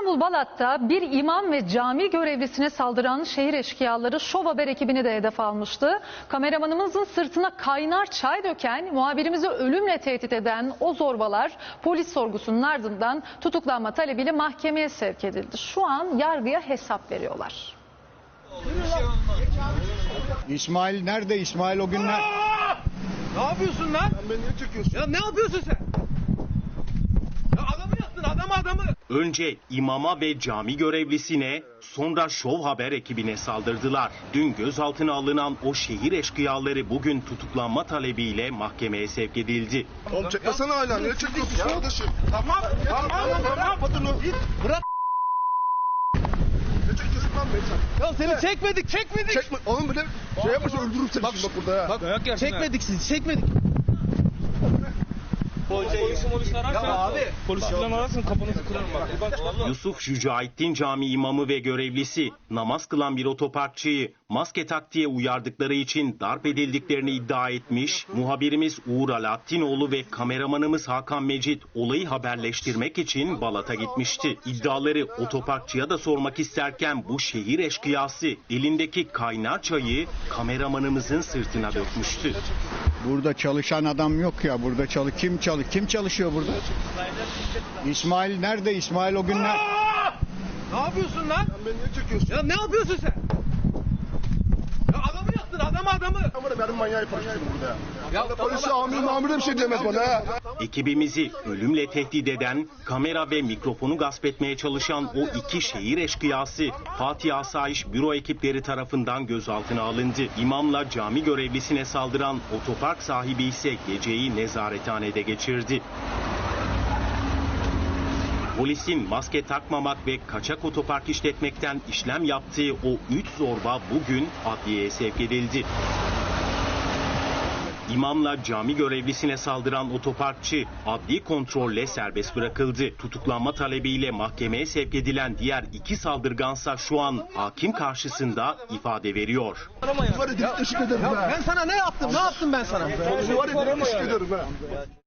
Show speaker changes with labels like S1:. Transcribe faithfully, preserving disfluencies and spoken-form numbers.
S1: İstanbul Balat'ta bir imam ve cami görevlisine saldıran şehir eşkıyaları Şov Haber ekibini de hedef almıştı. Kameramanımızın sırtına kaynar çay döken, muhabirimizi ölümle tehdit eden o zorbalar polis sorgusunun ardından tutuklanma talebiyle mahkemeye sevk edildi. Şu an yargıya hesap veriyorlar.
S2: İsmail nerede? İsmail o günler...
S3: Ne yapıyorsun lan?
S2: Sen beni niye çekiyorsun?
S3: Ya ne yapıyorsun sen? Ya adamı yaktın, adamı adamı.
S4: Önce imama ve cami görevlisine, sonra Şov Haber ekibine saldırdılar. Dün gözaltına alınan o şehir eşkıyaları bugün tutuklanma talebiyle mahkemeye sevk edildi.
S2: Oğlum çekmesene hala. Niye çekiyorsun kardeşim?
S3: Tamam, tamam, tamam.
S2: Patını.
S3: Bırak.
S2: Ne çekiyorsun lan beni sen?
S3: Ya seni çekmedik, çekmedik.
S2: Çekme. Oğlum bile şey yapmışsın, öldürürüm seni şimdi bak burada ya.
S3: Bak, çekmedik sizi, çekmedik. Polisi polisi ararsan, ya abi. Polisi falan ararsan kafanızı kırarım bak.
S4: Yusuf Şücaettin Camii imamı ve görevlisi namaz kılan bir otoparkçıyı maske tak diye uyardıkları için darp edildiklerini iddia etmiş. Muhabirimiz Uğur Alaaddinoğlu ve kameramanımız Hakan Mecit olayı haberleştirmek için Balat'a gitmişti. İddiaları otoparkçıya da sormak isterken bu şehir eşkıyası elindeki kaynar çayı kameramanımızın sırtına dökmüştü.
S2: Burada çalışan adam yok ya. Burada çalı kim çalı kim çalışıyor burada? İsmail nerede? İsmail o günler...
S3: Ne yapıyorsun lan?
S2: Sen beni niye çekiyorsun?
S3: Ya ne yapıyorsun sen? Ya adamı yaktın, adamı adamı.
S2: Ama benim manyağı yaparsın burada ya.
S3: Ya
S2: Polisi amir mamir de bir şey diyemez bana ha.
S4: Ekibimizi ölümle tehdit eden, kamera ve mikrofonu gasp etmeye çalışan o iki şehir eşkıyası Fatih Asayiş Büro ekipleri tarafından gözaltına alındı. İmamla cami görevlisine saldıran otopark sahibi ise geceyi nezarethanede geçirdi. Polisin maske takmamak ve kaçak otopark işletmekten işlem yaptığı o üç zorba bugün adliyeye sevk edildi. İmamla cami görevlisine saldıran otoparkçı adli kontrolle serbest bırakıldı. Tutuklanma talebiyle mahkemeye sevk edilen diğer iki saldırgansa şu an hakim karşısında ifade veriyor.
S2: Var ya teşekkür ederim
S3: Ya
S2: ha.
S3: ben sana ne yaptım? Ne yaptım ben sana?
S2: Var ya teşekkür ederim ha.